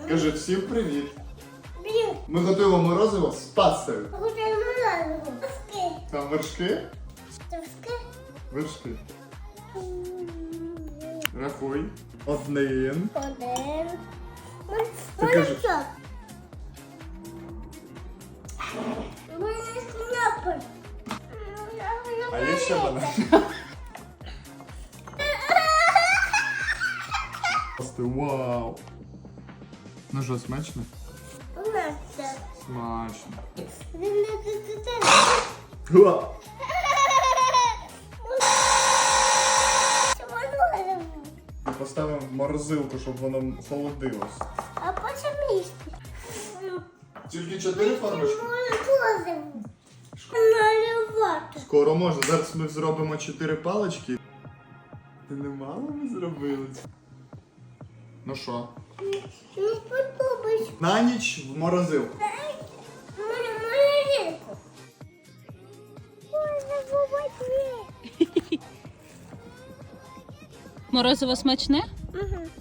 Кажи всім привіт. Блін, Ми готуємо морозиво з пастою. готуємо морозиво. Вершки. Там вершки? Вершки. Вершки. Рахуй. Один. Один. Ти кажеш. Молочок. У мене кнопки. А є ще банан. Вау. Ну що, смачно? Смачно. Смачно. Чому Уа. морозиво? Поставимо в морозилку, щоб воно холодилось. А потім їсти. Тільки 4 формочки? Морозиво. Наливати. Скоро можна. Зараз ми зробимо 4 палички. Ти не мало ми зробили? Ну що? Не сподобається. На ніч в морозилку. Морозилку. Можна побачити. Морозиво смачне? Угу.